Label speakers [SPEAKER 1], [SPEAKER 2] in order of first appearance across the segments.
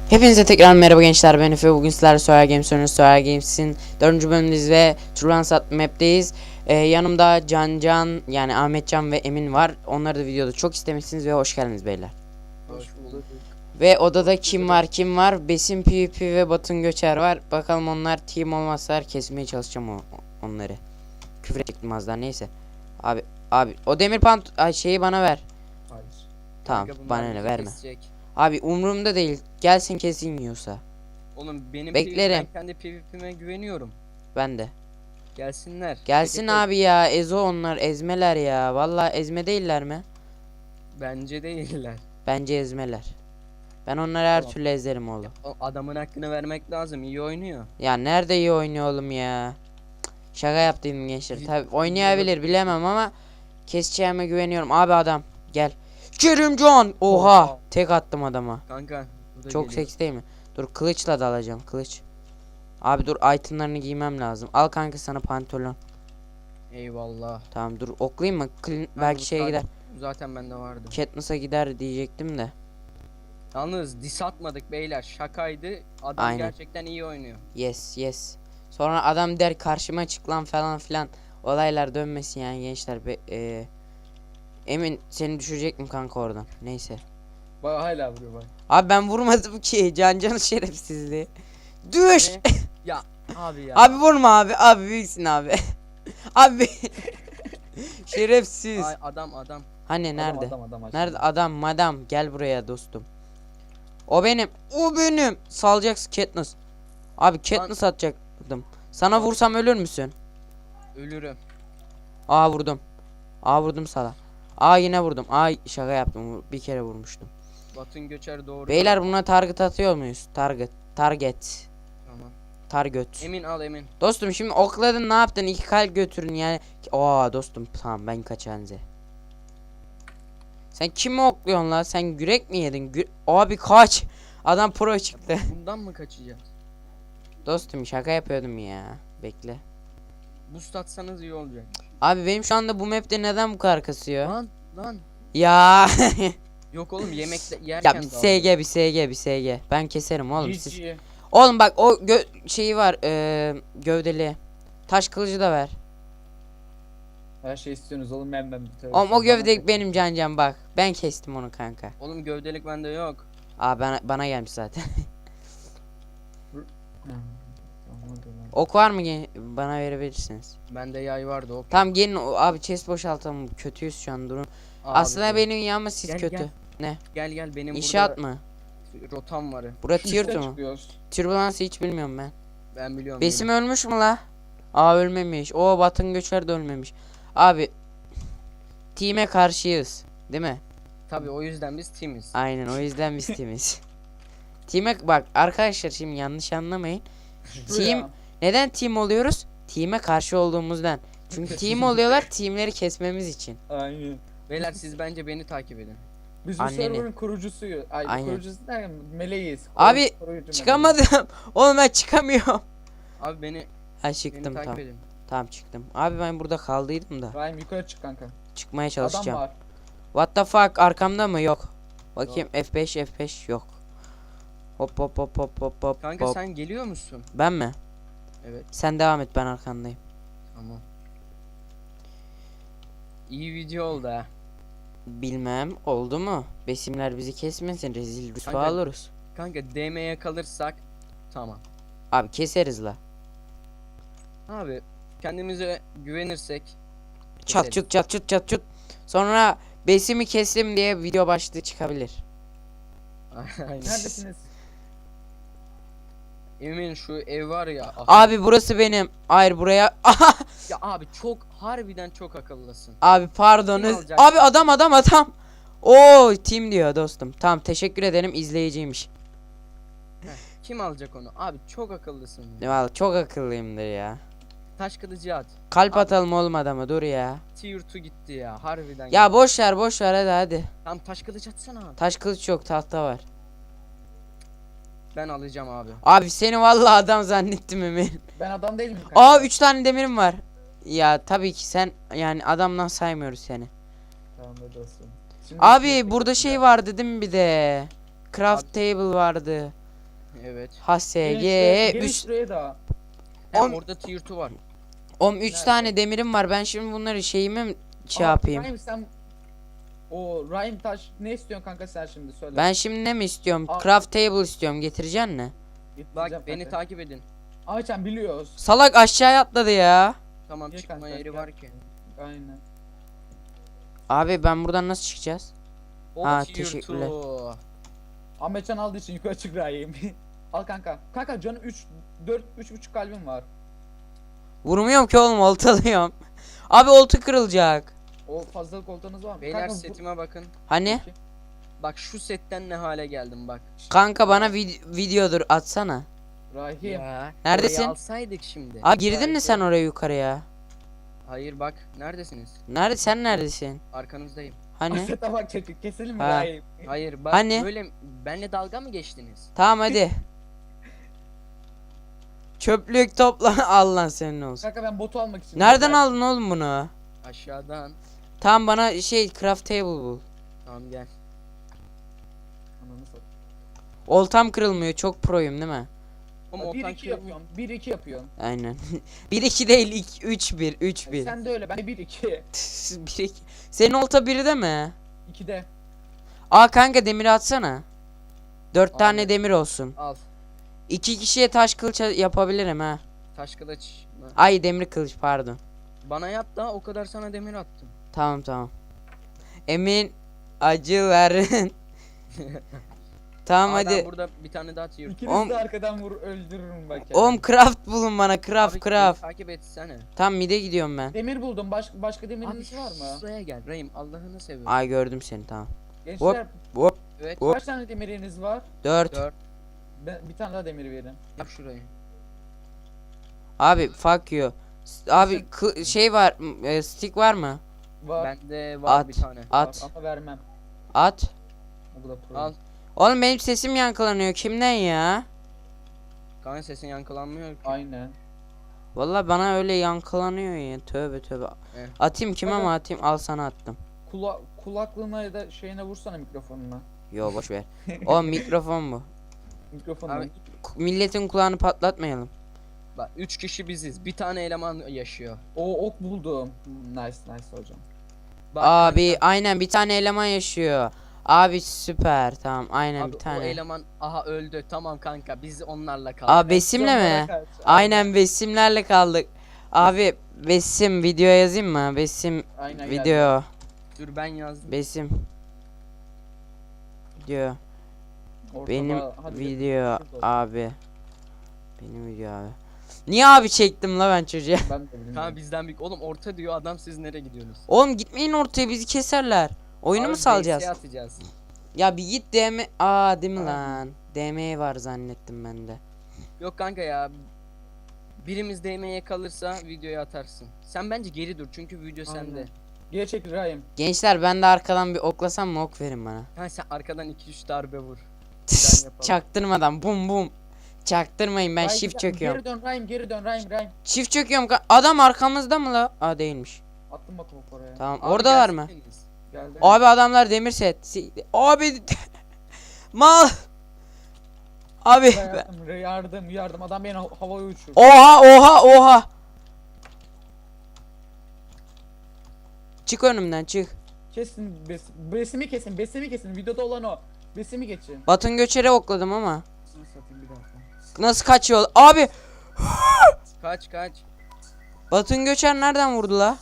[SPEAKER 1] Hepinize tekrar merhaba gençler, ben Efe. Bugün sizlerle Soya Games oynuyoruz. Soya Games'in 4. bölümündeyiz ve Turlansat map'teyiz. Yanımda Can yani Ahmetcan ve Emin var. Onları da videoda çok istemişsiniz ve hoş geldiniz beyler.
[SPEAKER 2] Hoş bulduk.
[SPEAKER 1] Ve odada kim var? Besim PvP ve Batın Göçer var. Bakalım onlar team olmazsa kesmeye çalışacağım onları. Küfür ettim az daha, neyse. Abi o demir şeyi bana ver.
[SPEAKER 2] Hayır.
[SPEAKER 1] Tamam,
[SPEAKER 2] Kanka bunlar
[SPEAKER 1] bana ne
[SPEAKER 2] bizi
[SPEAKER 1] verme.
[SPEAKER 2] kesecek.
[SPEAKER 1] Abi umurumda değil. Gelsin kesin yiyorsa.
[SPEAKER 2] Oğlum benim
[SPEAKER 1] Beklerim.
[SPEAKER 2] ben kendi PvP'me güveniyorum.
[SPEAKER 1] Ben de.
[SPEAKER 2] Gelsinler.
[SPEAKER 1] Gelsin
[SPEAKER 2] Tek
[SPEAKER 1] abi ya, ezo onlar, ezmeler ya. Vallahi ezme değiller mi?
[SPEAKER 2] bence değiller.
[SPEAKER 1] Bence ezmeler. Ben onları her
[SPEAKER 2] Tamam.
[SPEAKER 1] türlü ezerim oğlum.
[SPEAKER 2] O adamın hakkını vermek lazım. İyi oynuyor.
[SPEAKER 1] Ya nerede iyi oynuyor oğlum ya. Şaka yaptım gençler. Tabi oynayabilir, bilemem ama keseceğime güveniyorum. Abi adam gel. Kerimcan. Oha. Tek attım adama.
[SPEAKER 2] Kanka. Bu da
[SPEAKER 1] Çok
[SPEAKER 2] geliyor.
[SPEAKER 1] seks değil mi? Dur, kılıçla dalacağım, kılıç. Abi dur, itemlarını giymem lazım. Al kanka sana pantolon.
[SPEAKER 2] Eyvallah.
[SPEAKER 1] Tamam dur, oklayayım mı?
[SPEAKER 2] Kanka
[SPEAKER 1] Belki
[SPEAKER 2] bu
[SPEAKER 1] şeye gider.
[SPEAKER 2] zaten bende vardı.
[SPEAKER 1] Katniss'a gider diyecektim de.
[SPEAKER 2] Yalnız dis atmadık beyler. Şakaydı. Adam
[SPEAKER 1] Aynen.
[SPEAKER 2] gerçekten iyi oynuyor.
[SPEAKER 1] Yes. Sonra adam der karşıma çık lan falan filan. Olaylar dönmesin yani gençler. Emin seni düşürecektim kanka oradan. Neyse.
[SPEAKER 3] Bak hala vuruyor bak.
[SPEAKER 1] Abi ben vurmadım ki. Cancanın şerefsizliği. Düş.
[SPEAKER 2] Ne? Ya abi ya.
[SPEAKER 1] Abi vurma abi. Abi büyüksün abi. Abi. Şerefsiz.
[SPEAKER 2] Ay, adam.
[SPEAKER 1] Hani nerede?
[SPEAKER 3] Adam
[SPEAKER 1] Nerede adam madam, gel buraya dostum. O benim. Salacaksın Katniss. Abi Katniss atacaktım. Sana vursam ölür müsün?
[SPEAKER 2] Ölürüm.
[SPEAKER 1] Vurdum sana. Yine vurdum. Şaka yaptım. Bir kere vurmuştum.
[SPEAKER 2] Batın Göçer doğru.
[SPEAKER 1] Beyler buna target atıyor muyuz? Target.
[SPEAKER 2] Tamam.
[SPEAKER 1] Target.
[SPEAKER 2] Emin al Emin.
[SPEAKER 1] Dostum şimdi okladın, ne yaptın? 2 kalp götürün yani. Dostum tamam, ben kaçanze. Sen kimi okluyorsun la? Sen gürek mi yedin? Abi kaç. Adam pro çıktı.
[SPEAKER 2] Bundan mı kaçacağız?
[SPEAKER 1] Dostum şaka yapıyordum ya. Bekle.
[SPEAKER 2] Boost atsanız iyi olacak.
[SPEAKER 1] Abi benim şu anda bu map'te neden bu kadar kasıyor?
[SPEAKER 2] Lan.
[SPEAKER 1] Ya.
[SPEAKER 2] Yok oğlum yemekte yerken
[SPEAKER 1] Ya bir
[SPEAKER 2] daldı.
[SPEAKER 1] bir SG. Ben keserim oğlum siz.
[SPEAKER 3] GG.
[SPEAKER 1] Oğlum bak o şeyi var, gövdeli. Taş kılıcı da ver.
[SPEAKER 3] Her şey istiyorsunuz oğlum ben.
[SPEAKER 1] Oğlum o gövde benim Can bak. Ben kestim onu kanka.
[SPEAKER 2] Oğlum gövdelik bende yok.
[SPEAKER 1] Bana gelmiş zaten. Ok var mı, bana verebilirsiniz.
[SPEAKER 2] Bende yay vardı o.
[SPEAKER 1] Tamam gelin abi, chest boşaltalım. Kötüyüz şu an, durun.
[SPEAKER 2] Abi,
[SPEAKER 1] Aslında benim iyi ama siz
[SPEAKER 2] Gel,
[SPEAKER 1] kötü.
[SPEAKER 2] gel.
[SPEAKER 1] Ne?
[SPEAKER 2] Gel benim
[SPEAKER 1] İnşaat
[SPEAKER 2] burada
[SPEAKER 1] mı?
[SPEAKER 2] rotam var.
[SPEAKER 1] Bura tier 2 mu?
[SPEAKER 3] Çıkıyoruz.
[SPEAKER 1] Türbülansı hiç bilmiyorum ben.
[SPEAKER 2] Ben biliyorum.
[SPEAKER 1] Besim ölmüş mü la? Ölmemiş. Batın Göçer de ölmemiş. Abi team'e karşıyız, değil mi?
[SPEAKER 2] Tabii o yüzden biz teamiz.
[SPEAKER 1] Aynen, o yüzden biz teamiz. Team'e bak arkadaşlar, şimdi yanlış anlamayın. Neden team oluyoruz? Team'e karşı olduğumuzdan. Çünkü team oluyorlar teamleri kesmemiz için.
[SPEAKER 3] Aynen.
[SPEAKER 2] Beyler siz bence beni takip edin.
[SPEAKER 3] Biz bu
[SPEAKER 1] Anneni.
[SPEAKER 3] server'ın kurucusuyuz.
[SPEAKER 1] Aynen.
[SPEAKER 3] Kurucusu derken meleğiz.
[SPEAKER 1] Abi,
[SPEAKER 3] Koruyucu
[SPEAKER 1] Çıkamadım. Oğlum ben çıkamıyorum.
[SPEAKER 2] Abi beni
[SPEAKER 1] Çıktım
[SPEAKER 2] takip
[SPEAKER 1] tamam.
[SPEAKER 2] edin.
[SPEAKER 1] Tamam çıktım. Abi ben burada kaldıydım da.
[SPEAKER 3] meleğiz. Rahim yukarı çık kanka.
[SPEAKER 1] Çıkmaya
[SPEAKER 3] Adam
[SPEAKER 1] çalışacağım.
[SPEAKER 3] var.
[SPEAKER 1] What the fuck, arkamda mı? Yok. Bakayım, F5 yok. Hop.
[SPEAKER 2] Kanka sen geliyor musun?
[SPEAKER 1] Ben mi?
[SPEAKER 2] Evet.
[SPEAKER 1] Sen devam et, ben arkandayım.
[SPEAKER 2] Tamam. İyi video oldu ha.
[SPEAKER 1] Bilmem oldu mu? Besimler bizi kesmesin, rezil rüsva
[SPEAKER 2] Kanka-
[SPEAKER 1] oluruz.
[SPEAKER 2] Kanka DM'ye kalırsak tamam.
[SPEAKER 1] Abi keseriz la.
[SPEAKER 2] Abi kendimize güvenirsek
[SPEAKER 1] Çat
[SPEAKER 2] keseriz.
[SPEAKER 1] çut. Sonra besimi kestim diye video başlığı çıkabilir.
[SPEAKER 2] Aynen.
[SPEAKER 3] Neredesiniz?
[SPEAKER 2] Emin şu ev var ya.
[SPEAKER 1] Abi burası benim. Hayır, buraya.
[SPEAKER 2] Ya abi çok harbiden çok akıllısın.
[SPEAKER 1] Abi pardon.
[SPEAKER 2] Kim alacak?
[SPEAKER 1] Abi adam. Team diyor dostum. Tamam, teşekkür ederim, izleyiciymiş.
[SPEAKER 2] Kim alacak onu? Abi çok akıllısın.
[SPEAKER 1] Vallahi çok akıllıyımdır ya.
[SPEAKER 2] Taş kılıcı at.
[SPEAKER 1] Kalp
[SPEAKER 2] Abi.
[SPEAKER 1] atalım oğlum adama, dur ya.
[SPEAKER 2] Tier 2 gitti ya harbiden.
[SPEAKER 1] Ya boş ver hadi.
[SPEAKER 2] Tam taş kılıç atsana.
[SPEAKER 1] Taş kılıç yok, tahta var.
[SPEAKER 2] Ben alacağım abi.
[SPEAKER 1] Abi seni vallahi adam zannettim Emin.
[SPEAKER 3] Ben adam değilim kanka.
[SPEAKER 1] 3 tane demirim var. Ya tabii ki sen, yani adamdan saymıyoruz seni.
[SPEAKER 3] Tamam da dostum. Şimdi
[SPEAKER 1] Abi
[SPEAKER 3] üstüne
[SPEAKER 1] burada
[SPEAKER 3] tek
[SPEAKER 1] şey
[SPEAKER 3] atacağım.
[SPEAKER 1] vardı değil mi bir de? Craft table vardı.
[SPEAKER 2] Evet.
[SPEAKER 1] HSG
[SPEAKER 3] Gelin
[SPEAKER 1] 3.
[SPEAKER 3] şuraya da.
[SPEAKER 2] Hem
[SPEAKER 1] On-
[SPEAKER 2] orada tier 2 var.
[SPEAKER 1] 3
[SPEAKER 3] Nerede?
[SPEAKER 1] tane demirim var. Ben şimdi bunları şeyimi şey
[SPEAKER 3] Aa,
[SPEAKER 1] yapayım.
[SPEAKER 3] Rahim sen o Rahim taş ne istiyorsun kanka sen şimdi söyle.
[SPEAKER 1] Ben şimdi ne mi istiyorum?
[SPEAKER 3] Aa.
[SPEAKER 1] Craft table istiyorum. Getireceksin mi?
[SPEAKER 2] Bak
[SPEAKER 3] Getireceğim
[SPEAKER 2] beni
[SPEAKER 3] kanka.
[SPEAKER 2] takip edin.
[SPEAKER 3] Ayçen biliyoruz.
[SPEAKER 1] Salak aşağıya atladı ya.
[SPEAKER 2] Tamam
[SPEAKER 3] Gel
[SPEAKER 2] çıkma
[SPEAKER 3] kanka,
[SPEAKER 2] yeri
[SPEAKER 3] gel.
[SPEAKER 2] var ki.
[SPEAKER 3] Aynen.
[SPEAKER 1] Abi ben buradan nasıl çıkacağız?
[SPEAKER 2] O
[SPEAKER 1] Ha,
[SPEAKER 2] tier
[SPEAKER 1] teşekkürler.
[SPEAKER 2] 2.
[SPEAKER 3] Ahmetcan aldığı için yukarı çık Rahim. Al kanka. Kanka canım 3,5 kalbim var.
[SPEAKER 1] Vurmuyorum ki oğlum, oltalıyorum. Abi olta kırılacak.
[SPEAKER 3] O fazlalık oltanız var mı?
[SPEAKER 2] Beyler
[SPEAKER 3] kanka,
[SPEAKER 2] setime bakın.
[SPEAKER 1] Hani?
[SPEAKER 2] Bak şu setten ne hale geldim bak.
[SPEAKER 1] Kanka bana videodur atsana.
[SPEAKER 3] Rahim.
[SPEAKER 2] Ya.
[SPEAKER 1] Neredesin?
[SPEAKER 2] orayı alsaydık şimdi.
[SPEAKER 1] Aa, girdin mi sen oraya yukarıya?
[SPEAKER 2] Hayır bak neredesiniz?
[SPEAKER 1] Sen neredesin?
[SPEAKER 2] Arkanızdayım.
[SPEAKER 1] Hani?
[SPEAKER 3] Sete bak çocuk keselim mi
[SPEAKER 1] Ha.
[SPEAKER 3] Rahim?
[SPEAKER 2] Hayır bak
[SPEAKER 1] Hani?
[SPEAKER 2] böyle benle dalga mı geçtiniz?
[SPEAKER 1] Tamam hadi. Çöplük topla. Allah senin olsun.
[SPEAKER 3] Kanka ben botu almak için.
[SPEAKER 1] Nereden aldın oğlum bunu?
[SPEAKER 2] Aşağıdan.
[SPEAKER 1] Tamam bana craft table bul.
[SPEAKER 2] Tamam gel.
[SPEAKER 3] Ananı satayım.
[SPEAKER 1] Oltam kırılmıyor, çok proyum değil mi?
[SPEAKER 2] Ama
[SPEAKER 3] 1-2 yapıyorum. 1-2 yapıyorum.
[SPEAKER 1] Aynen. 1-2 değil, 3-1 3-1.
[SPEAKER 3] Sen de öyle. Ben de 1-2.
[SPEAKER 1] 1-2. Senin olta 1'de mi?
[SPEAKER 3] 2'de.
[SPEAKER 1] Aa kanka, demir atsana. 4 tane
[SPEAKER 2] Abi.
[SPEAKER 1] demir olsun.
[SPEAKER 2] Al.
[SPEAKER 1] 2 kişiye taş kılıç yapabilirim ha.
[SPEAKER 2] Taş kılıç.
[SPEAKER 1] Ay, demir kılıç pardon.
[SPEAKER 2] Bana yap da o kadar sana demir attım.
[SPEAKER 1] Tamam. Emin acıların. Tamam
[SPEAKER 2] Aa, ben
[SPEAKER 1] hadi.
[SPEAKER 2] burada bir tane daha tier.
[SPEAKER 3] İkiniz de arkadan vur öldürürüm bak ya.
[SPEAKER 1] Oğlum craft bulun bana, craft
[SPEAKER 2] Abi,
[SPEAKER 1] craft.
[SPEAKER 2] takip etsene.
[SPEAKER 1] Tam mide gidiyorum ben.
[SPEAKER 3] Demir buldum. Başka
[SPEAKER 2] Abi
[SPEAKER 3] demiriniz var mı?
[SPEAKER 2] şuraya gel Rahim Allah'ını seviyorum.
[SPEAKER 1] Ay, gördüm seni, tamam.
[SPEAKER 3] Gençler
[SPEAKER 1] Hop
[SPEAKER 2] Evet.
[SPEAKER 1] hop.
[SPEAKER 3] kaç tane demiriniz var?
[SPEAKER 1] 4.
[SPEAKER 2] 4.
[SPEAKER 3] Bir tane daha demir verin.
[SPEAKER 2] Yap şurayı.
[SPEAKER 1] Abi fuck you. Abi şey var, stick var mı?
[SPEAKER 3] Var.
[SPEAKER 2] Bende var
[SPEAKER 1] At.
[SPEAKER 2] bir tane.
[SPEAKER 1] At.
[SPEAKER 3] Ama vermem.
[SPEAKER 1] At.
[SPEAKER 3] O da pro.
[SPEAKER 2] Al.
[SPEAKER 1] Oğlum benim sesim yankılanıyor, kimden ya?
[SPEAKER 2] Kanka sesin yankılanmıyor ki.
[SPEAKER 3] Aynen.
[SPEAKER 1] Vallahi bana öyle yankılanıyor ya, tövbe tövbe.
[SPEAKER 2] Evet.
[SPEAKER 1] Atayım kime mi atayım? Al, sana attım.
[SPEAKER 3] Kulaklığına ya da şeyine vursana mikrofonuna.
[SPEAKER 1] Yo, boş ver. Oğlum mikrofon bu.
[SPEAKER 3] Mikrofonuna.
[SPEAKER 2] Abi-
[SPEAKER 1] Milletin kulağını patlatmayalım.
[SPEAKER 2] Bak 3 kişi biziz. Bir tane eleman yaşıyor.
[SPEAKER 3] O ok buldum. Nice hocam.
[SPEAKER 2] Bak
[SPEAKER 1] Abi
[SPEAKER 2] kanka,
[SPEAKER 1] aynen, bir tane eleman yaşıyor. Abi süper, tamam, aynen
[SPEAKER 2] abi
[SPEAKER 1] bir
[SPEAKER 2] o
[SPEAKER 1] tane.
[SPEAKER 2] eleman aha öldü. Tamam kanka biz onlarla kaldık.
[SPEAKER 1] Aa, Besim'le mi? Aynen, Besimlerle kaldık. Abi Besim, videoya yazayım mı? Besim
[SPEAKER 3] Aynen
[SPEAKER 1] video.
[SPEAKER 2] Dur ben yazdım.
[SPEAKER 1] Besim video.
[SPEAKER 3] Ortada,
[SPEAKER 1] Benim
[SPEAKER 3] hadi
[SPEAKER 1] video
[SPEAKER 3] şurada olsun.
[SPEAKER 1] abi. Benim video abi. Niye abi çektim la ben çocuğa?
[SPEAKER 3] Ben de bilmiyorum.
[SPEAKER 2] Kanka bizden büyük. Oğlum orta diyor adam siz nereye gidiyorsunuz?
[SPEAKER 1] Oğlum gitmeyin ortaya, bizi keserler. Oyunu
[SPEAKER 2] Abi
[SPEAKER 1] mu salacağız?
[SPEAKER 2] VS atacağız.
[SPEAKER 1] Ya bir git DM. Aa, değil mi
[SPEAKER 3] Aynen.
[SPEAKER 1] lan? DM var zannettim ben de.
[SPEAKER 2] Yok kanka ya. Birimiz DM'ye kalırsa videoyu atarsın. Sen bence geri dur çünkü video
[SPEAKER 3] Aynen.
[SPEAKER 2] sende.
[SPEAKER 3] Geri çekil Rahim.
[SPEAKER 1] Gençler, ben de arkadan bir oklasam mı? Ok verin bana.
[SPEAKER 2] Ha sen arkadan 2-3 darbe vur. Plan yapalım.
[SPEAKER 1] Çaktırmadan bum bum. Çaktırmayın, ben
[SPEAKER 3] Rahim,
[SPEAKER 1] shift çöküyorum.
[SPEAKER 3] Geri dön Rahim, geri dön Rahim.
[SPEAKER 1] Shift çöküyorum. Adam arkamızda mı la? Aa, değilmiş.
[SPEAKER 3] Attım bak ok oraya.
[SPEAKER 1] Tamam,
[SPEAKER 2] Abi
[SPEAKER 1] oradalar mı?
[SPEAKER 2] gelseniz.
[SPEAKER 3] Geldi.
[SPEAKER 1] Abi adamlar demir set. Abi mal. Abi
[SPEAKER 3] Yardım. Adam beni havaya uçurdu.
[SPEAKER 1] oha. Çık önümden, çık.
[SPEAKER 3] Kesin besimi kesin. Videoda olan o. Besimi geçin.
[SPEAKER 1] Batın Göçer'e okladım ama.
[SPEAKER 3] Şunu satayım bir dakika.
[SPEAKER 1] Nasıl kaçıyor? Abi
[SPEAKER 2] Kaç.
[SPEAKER 1] Batın Göçer nereden vurdu la?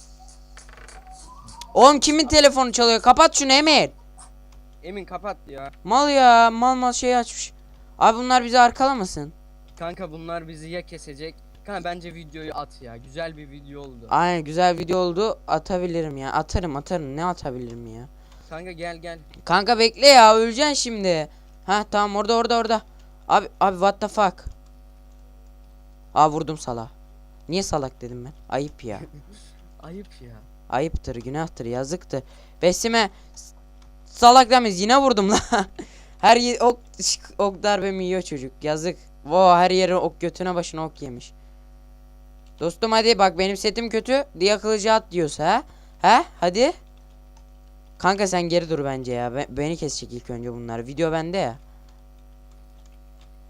[SPEAKER 1] Oğlum kimin telefonu çalıyor? Kapat şunu Emir.
[SPEAKER 2] Emin kapat ya.
[SPEAKER 1] Mal ya, mal şey açmış. Abi bunlar bizi arkalamasın.
[SPEAKER 2] Kanka bunlar bizi ya kesecek. Kanka bence videoyu at ya. Güzel bir video oldu.
[SPEAKER 1] Aynen, güzel video oldu. Atabilirim ya. Atarım. Ne atabilirim ya?
[SPEAKER 2] Kanka gel.
[SPEAKER 1] Kanka bekle ya, öleceksin şimdi. Ha tamam, orada. Abi what the fuck? Aa, vurdum salak. Niye salak dedim ben? Ayıp ya.
[SPEAKER 2] Ayıp ya.
[SPEAKER 1] Ayıptır, günahtır, yazıktır. Besime salak demeyiz, yine vurdum la. Her ok darbemi yiyor çocuk. Yazık. Her yere ok, götüne başına ok yemiş. Dostum hadi bak, benim setim kötü diye kılıcı at diyorsa ha? Hadi. Kanka sen geri dur bence ya. Beni kesecek ilk önce bunlar. Video bende ya.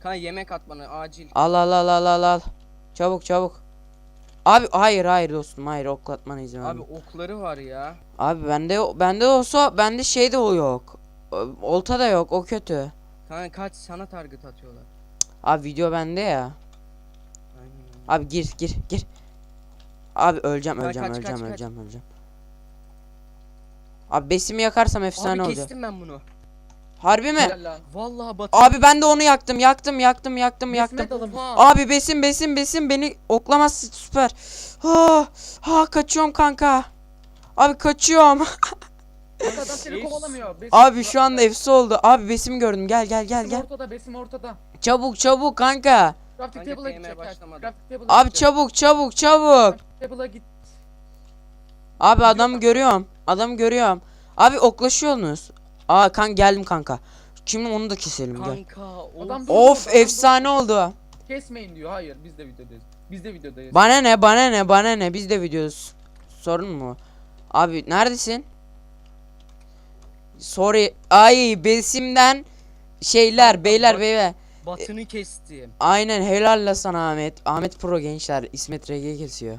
[SPEAKER 2] Kanka yemek at bana acil.
[SPEAKER 1] Al al al al al al. Çabuk çabuk. Abi hayır hayır dostum hayır oklatmana izin
[SPEAKER 2] Abi
[SPEAKER 1] verme.
[SPEAKER 2] okları var ya.
[SPEAKER 1] Abi bende olsa bende şey de o yok. Olta da yok o kötü.
[SPEAKER 2] Kanka kaç sana target atıyorlar.
[SPEAKER 1] Abi video bende ya.
[SPEAKER 2] Aynen.
[SPEAKER 1] Abi gir gir gir. Abi öleceğim
[SPEAKER 2] Kaç,
[SPEAKER 1] öleceğim
[SPEAKER 2] kaç,
[SPEAKER 1] öleceğim
[SPEAKER 2] kaç,
[SPEAKER 1] öleceğim öleceğim. Abi besimi yakarsam efsane
[SPEAKER 2] Abi
[SPEAKER 1] olacak.
[SPEAKER 2] kestim ben bunu.
[SPEAKER 1] Harbi mi?
[SPEAKER 3] Helal lan.
[SPEAKER 2] Vallahi batı.
[SPEAKER 1] Abi ben de onu yaktım yaktım yaktım yaktım
[SPEAKER 3] Besime
[SPEAKER 1] yaktım.
[SPEAKER 3] dalın.
[SPEAKER 1] Abi besim beni oklamaz süper. Ha, ha kaçıyorum kanka. Abi kaçıyorum.
[SPEAKER 3] Kanka adam seni
[SPEAKER 2] Besim.
[SPEAKER 3] kovalamıyor. Besim-
[SPEAKER 1] Abi şu anda efsi oldu. Abi besim gördüm. Gel gel gel
[SPEAKER 3] Besim
[SPEAKER 1] gel.
[SPEAKER 3] ortada, besim ortada.
[SPEAKER 1] Çabuk çabuk kanka.
[SPEAKER 3] Crafting
[SPEAKER 2] Kanka
[SPEAKER 3] table'a
[SPEAKER 2] değmeye
[SPEAKER 3] gidecek.
[SPEAKER 2] başlamadı.
[SPEAKER 3] Crafting table'a
[SPEAKER 1] Abi
[SPEAKER 3] gidecek.
[SPEAKER 1] çabuk çabuk çabuk.
[SPEAKER 3] Crafting table'a git.
[SPEAKER 1] Abi adamı görüyorum. Adamı görüyorum. Abi oklaşıyorsunuz. Aa kan geldim kanka. Şimdi onu da keselim gel.
[SPEAKER 2] Kanka
[SPEAKER 3] Adam
[SPEAKER 2] of.
[SPEAKER 3] dur-
[SPEAKER 1] Of
[SPEAKER 3] adam
[SPEAKER 1] efsane oldu.
[SPEAKER 3] Kesmeyin diyor. Hayır biz de videodayız. Biz de videodayız.
[SPEAKER 1] Bana ne bana ne bana ne biz de videosu. Sorun mu? Abi neredesin? Sorry. Ay besimden şeyler
[SPEAKER 2] Kanka,
[SPEAKER 1] beyler
[SPEAKER 2] bak-
[SPEAKER 1] beyler.
[SPEAKER 2] Batını kestim.
[SPEAKER 1] Aynen helal la sana Ahmet. Ahmet Pro gençler İsmet RG kesiyor.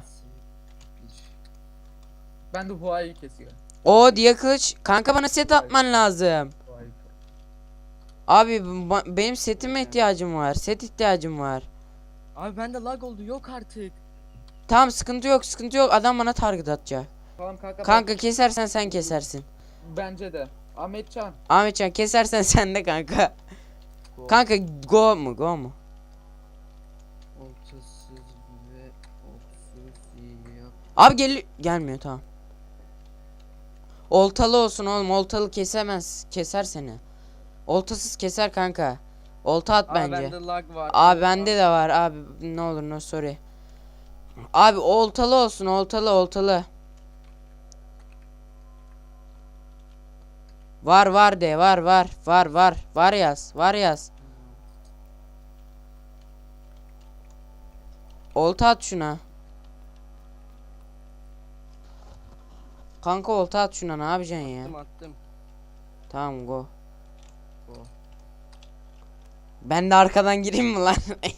[SPEAKER 3] Ben de Huay'ı kesiyor.
[SPEAKER 1] O diye kılıç. Kanka bana set atman lazım.
[SPEAKER 3] Huay'ı.
[SPEAKER 1] Abi benim setime ihtiyacım var. Set ihtiyacım var.
[SPEAKER 2] Abi bende lag oldu yok artık.
[SPEAKER 1] Tamam sıkıntı yok sıkıntı yok. Adam bana target atacak.
[SPEAKER 3] Tamam kanka.
[SPEAKER 1] Kanka kesersen sen kesersin.
[SPEAKER 3] Bence de. Ahmetcan.
[SPEAKER 1] Ahmetcan kesersen sen de kanka.
[SPEAKER 2] Go.
[SPEAKER 1] Kanka go mu go mu?
[SPEAKER 2] Ortasız ve oksuz yap.
[SPEAKER 1] Abi gelmiyor tamam. Oltalı olsun oğlum oltalı kesemez. Keser seni. Oltasız keser kanka. Olta at
[SPEAKER 2] Abi
[SPEAKER 1] bence.
[SPEAKER 2] bende lag var.
[SPEAKER 1] Abi bende de var abi ne olur no sorry. Abi oltalı olsun oltalı oltalı. Var de var yaz. Olta at şuna. Kanka olta at şuna ne yapacaksın ya?
[SPEAKER 2] Attım.
[SPEAKER 1] Tamam go.
[SPEAKER 2] Go.
[SPEAKER 1] Ben de arkadan gireyim mi lan?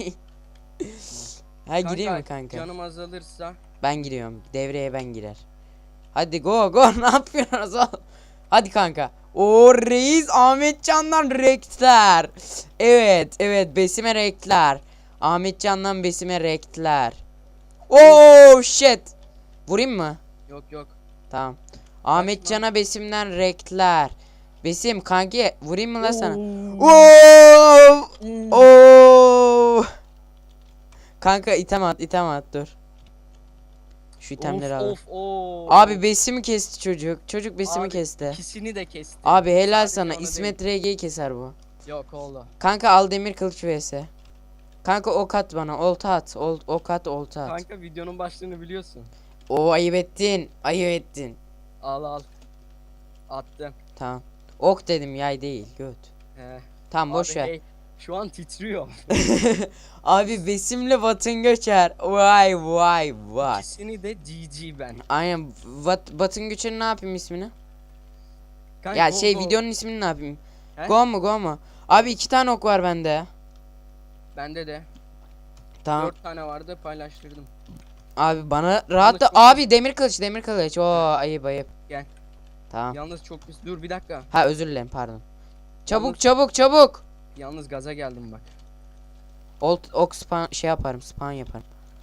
[SPEAKER 1] Ha gireyim mi kanka?
[SPEAKER 2] Canım azalırsa.
[SPEAKER 1] Ben giriyorum. Devreye ben girer. Hadi go go ne yapıyorsunuz oğlum? Hadi kanka. O reis Ahmetcan'dan rektler. Evet Besim'e rektler. Ahmetcan'dan Besim'e rektler. Oh shit. Vurayım mı?
[SPEAKER 2] Yok.
[SPEAKER 1] Tamam. Ahmetcan'a Besim'den rektler. Besim kanki vurayım mı lan sana? Oo! Oo! Kanka item at dur. Şu itemleri al.
[SPEAKER 2] Of.
[SPEAKER 1] Abi Besim'i kesti çocuk. Çocuk Besim'i
[SPEAKER 2] Abi,
[SPEAKER 1] kesti.
[SPEAKER 2] İkisini de kesti.
[SPEAKER 1] Abi helal
[SPEAKER 2] Sadece
[SPEAKER 1] sana.
[SPEAKER 2] onu
[SPEAKER 1] İsmet RG'yi keser bu.
[SPEAKER 2] Yok oldu.
[SPEAKER 1] Kanka al demir kılıç vs. Kanka ok at bana. Olta at. Ok at olta at.
[SPEAKER 2] Kanka videonun başlığını biliyorsun.
[SPEAKER 1] Oo ayıp ettin. Ayıp ettin.
[SPEAKER 2] Al. Attım.
[SPEAKER 1] Tamam. Ok dedim yay değil göt.
[SPEAKER 2] He.
[SPEAKER 1] Tamam boş
[SPEAKER 2] Abi,
[SPEAKER 1] ver.
[SPEAKER 2] hey, şu an titriyor.
[SPEAKER 1] Abi Besim'le Batın Göçer. Vay.
[SPEAKER 2] İkisini de GG ben.
[SPEAKER 1] Aynen Batın Göçer'in ne yapayım ismini?
[SPEAKER 2] Kanka,
[SPEAKER 1] Ya
[SPEAKER 2] go,
[SPEAKER 1] şey
[SPEAKER 2] go.
[SPEAKER 1] videonun ismini ne yapayım?
[SPEAKER 2] He?
[SPEAKER 1] Go mu? Abi 2 tane ok var bende.
[SPEAKER 2] Bende de.
[SPEAKER 1] Tamam.
[SPEAKER 2] 4 tane vardı paylaştırdım.
[SPEAKER 1] Abi bana rahat da
[SPEAKER 2] çok
[SPEAKER 1] abi demir kılıç. Oo ayıp.
[SPEAKER 2] Gel.
[SPEAKER 1] Tamam.
[SPEAKER 2] Yalnız çok pis. Dur bir dakika.
[SPEAKER 1] Ha özür dilerim pardon.
[SPEAKER 2] Yalnız-
[SPEAKER 1] Çabuk.
[SPEAKER 2] Yalnız gaza geldim bak.
[SPEAKER 1] Ok spawn şey yaparım spawn yaparım.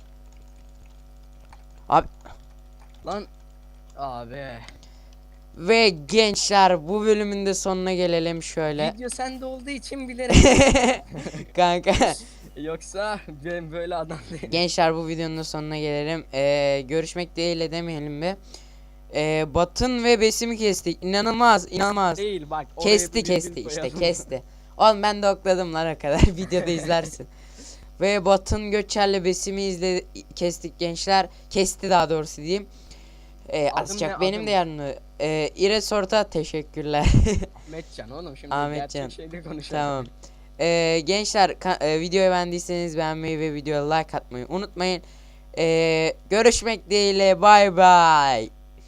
[SPEAKER 1] Abi
[SPEAKER 2] Lan. Abi.
[SPEAKER 1] ve gençler bu bölümün de sonuna gelelim şöyle.
[SPEAKER 2] Video sende olduğu için bilerek.
[SPEAKER 1] Kanka.
[SPEAKER 2] Yoksa ben böyle adam değilim.
[SPEAKER 1] Gençler bu videonun da sonuna gelelim. Görüşmek dileğiyle demeyelim be. Batın ve Besim'i kestik. İnanılmaz.
[SPEAKER 2] Değil bak. oraya
[SPEAKER 1] Kesti
[SPEAKER 2] bir virgül
[SPEAKER 1] işte
[SPEAKER 2] koyalım.
[SPEAKER 1] kesti. Oğlum ben de okladım lan o kadar. Videoda izlersin. Ve Batın Göçer'le Besim'i kestik gençler. Kesti daha doğrusu diyeyim. Azıcık
[SPEAKER 2] ne,
[SPEAKER 1] benim
[SPEAKER 2] adım?
[SPEAKER 1] de yanımda. İres Orta teşekkürler.
[SPEAKER 2] Ahmetcan oğlum şimdi
[SPEAKER 1] Ahmetcan.
[SPEAKER 2] gerçek şeyde konuşalım.
[SPEAKER 1] Tamam. Gençler videoyu beğendiyseniz beğenmeyi ve videoya like atmayı unutmayın. Görüşmek dileğiyle bay bay.